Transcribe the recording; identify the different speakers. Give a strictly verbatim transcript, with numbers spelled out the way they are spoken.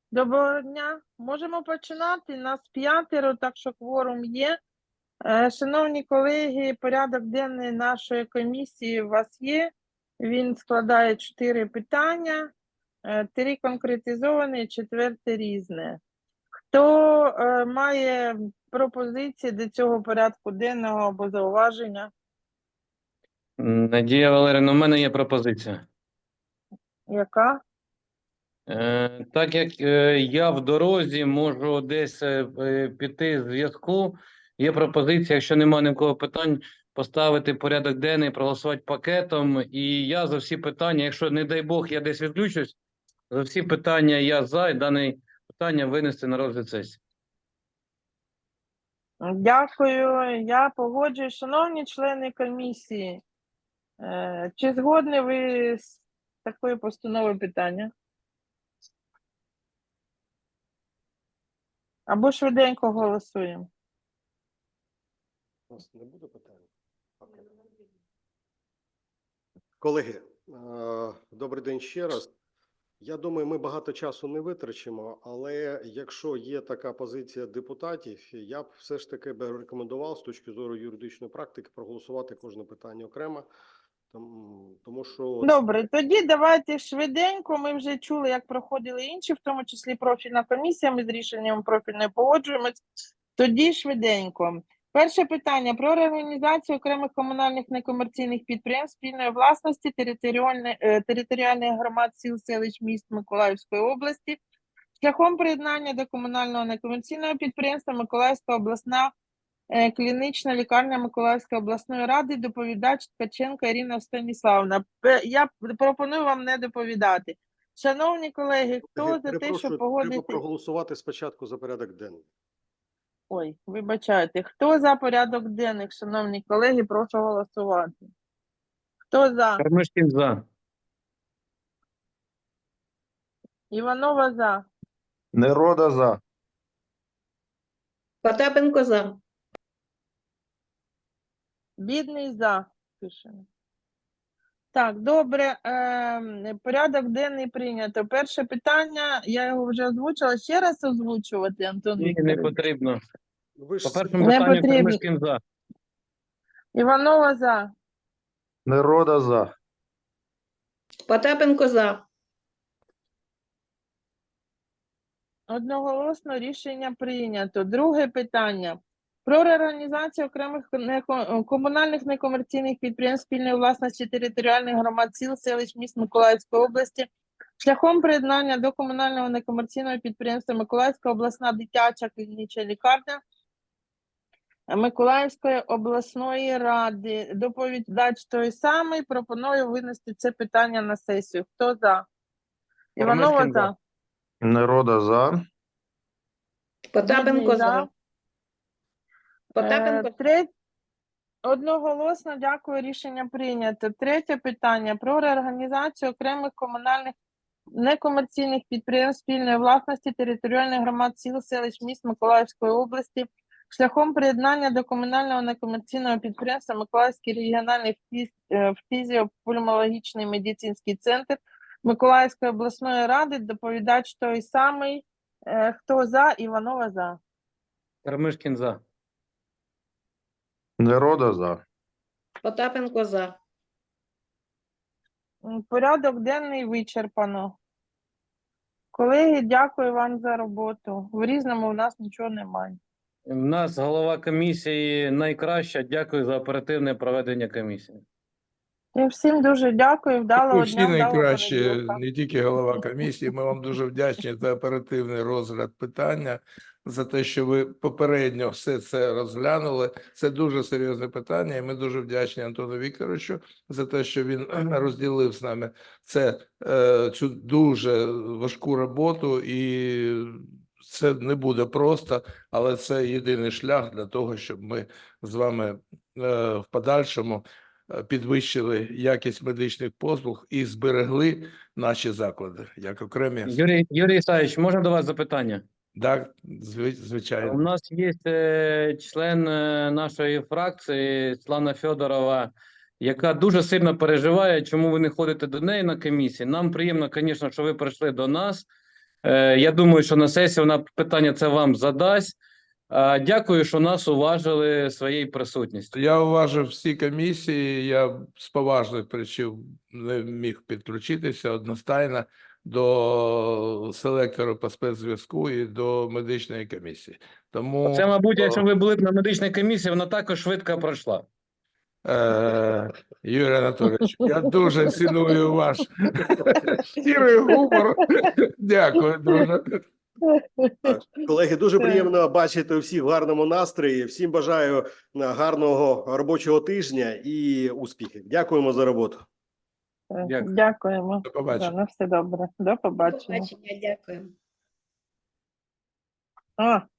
Speaker 1: Доброго дня. Можемо починати. Нас п'ятеро, так що кворум є. Е, Шановні колеги, порядок денний нашої комісії у вас є. Він складає чотири питання, е, три конкретизовані, четверте різне. Хто е, має пропозиції до цього порядку денного або зауваження?
Speaker 2: Надія Валерівна, у мене є пропозиція.
Speaker 1: Яка?
Speaker 2: Е, так як е, я в дорозі можу десь е, е, піти з зв'язку, є пропозиція, якщо немає нікого питань, поставити порядок денний, проголосувати пакетом. І я за всі питання, якщо, не дай Бог, я десь відключусь, за всі питання я за, і дане питання винести на розгляд сесії.
Speaker 1: Дякую. Я погоджуюсь. Шановні члени комісії, е, чи згодні ви з такою постановою питання? Або швиденько голосуємо.
Speaker 3: У нас не буде питань? Колеги, е, добрий день ще раз. Я думаю, ми багато часу не витрачимо, але якщо є така позиція депутатів, я б все ж таки би рекомендував з точки зору юридичної практики проголосувати кожне питання окремо, тому, тому що…
Speaker 1: Добре, тоді давайте швиденько. Ми вже чули, як проходили інші, в тому числі профільна комісія, ми з рішенням профільної погоджуємось. Тоді швиденько. Перше питання про реорганізацію окремих комунальних некомерційних підприємств спільної власності територіальних, е, територіальних громад сіл, селищ, міст Миколаївської області шляхом приєднання до комунального некомерційного підприємства Миколаївська обласна е, клінічна лікарня Миколаївської обласної ради, доповідач Ткаченко Ірина Станіславовна. Пе- Я пропоную вам не доповідати. Шановні колеги, хто
Speaker 3: Я
Speaker 1: за те,
Speaker 3: перепрошую,
Speaker 1: щоб
Speaker 3: треба
Speaker 1: погодити...
Speaker 3: проголосувати спочатку за порядок денний.
Speaker 1: Ой, вибачайте. Хто за порядок денний, шановні колеги, прошу голосувати. Хто за?
Speaker 2: Кармишкін за.
Speaker 1: Іванова за.
Speaker 4: Нерода за.
Speaker 5: Потапенко за.
Speaker 1: Бідний за. Пишемо. Так, добре. Е, порядок денний прийнято. Перше питання, я його вже озвучила. Ще раз озвучувати, Антон
Speaker 2: Ні, не
Speaker 1: Вікторович?
Speaker 2: потрібно.
Speaker 3: Ви ж
Speaker 2: По першому
Speaker 1: Не
Speaker 2: питанню
Speaker 1: потрібно.
Speaker 2: Кармишкін за.
Speaker 1: Іванова за.
Speaker 4: Нерода за.
Speaker 5: Потапенко за.
Speaker 1: Одноголосно рішення прийнято. Друге питання. Про реорганізацію окремих неко- комунальних некомерційних підприємств спільної власності територіальних громад сіл, селищ, міст Миколаївської області шляхом приєднання до комунального некомерційного підприємства Миколаївська обласна дитяча клінічна лікарня Миколаївської обласної ради. Доповідач той самий. Пропоную винести це питання на сесію. Хто за? Іванова
Speaker 2: Кармишкін за.
Speaker 1: за.
Speaker 4: Нерода за.
Speaker 5: Потапенко
Speaker 1: Бідний
Speaker 5: за. Потапенко.
Speaker 1: Е, третє. Одноголосно, дякую, рішення прийнято. Третє питання про реорганізацію окремих комунальних некомерційних підприємств спільної власності територіальних громад сіл, селищ, міст Миколаївської області шляхом приєднання до комунального некомерційного підприємства Миколаївський регіональний фіз- е, фізіопульмологічний медицинський центр Миколаївської обласної ради. Доповідач той самий. Е, Хто за? Іванова за.
Speaker 2: Кармишкін за.
Speaker 4: Нерода за.
Speaker 5: Потапенко за.
Speaker 1: М, Порядок денний вичерпано. Колеги, дякую вам за роботу. В різному у нас нічого немає.
Speaker 2: У нас голова комісії найкраща. Дякую за оперативне проведення комісії.
Speaker 1: І всім дуже дякую. Вдалого
Speaker 6: Ви
Speaker 1: дня,
Speaker 6: всі
Speaker 1: вдалого
Speaker 6: найкраще,
Speaker 1: понеділка.
Speaker 6: не тільки голова комісії. Ми вам дуже вдячні за оперативний розгляд питання, за те, що ви попередньо все це розглянули. Це дуже серйозне питання, і ми дуже вдячні Антону Вікторовичу за те, що він розділив з нами це, е, цю дуже важку роботу, і це не буде просто, але це єдиний шлях для того, щоб ми з вами е, в подальшому е, підвищили якість медичних послуг і зберегли наші заклади як окремі.
Speaker 2: Юрій, Юрій Ісаївич, можна до вас запитання?
Speaker 6: Так, зви- звичайно.
Speaker 2: У нас є е, член е, нашої фракції Світлана Федорова, яка дуже сильно переживає, чому ви не ходите до неї на комісії. Нам приємно, звісно, що ви прийшли до нас. Е, Я думаю, що на сесії вона питання це вам задасть. А, Дякую, що нас уважили своєю присутністю.
Speaker 6: Я уважив всі комісії, я з поважних причин не міг підключитися одностайно до селектору по спецзв'язку і до медичної комісії. Тому
Speaker 2: Це, мабуть,
Speaker 6: о,
Speaker 2: якщо ви були б на медичній комісії, вона також швидко пройшла.
Speaker 6: Е, Юрій Анатолійович, я дуже ціную ваш щирий гумор. Дякую, друже.
Speaker 3: Колеги, дуже
Speaker 1: Так.
Speaker 3: приємно бачити всіх в гарному настрої. Всім бажаю е, гарного робочого тижня і успіхів. Дякуємо за роботу.
Speaker 2: Дякую.
Speaker 1: Дякуємо.
Speaker 6: До побачення.
Speaker 1: Да, на все добре. До
Speaker 5: До
Speaker 1: побачення.
Speaker 5: побачення, дякую.
Speaker 1: А,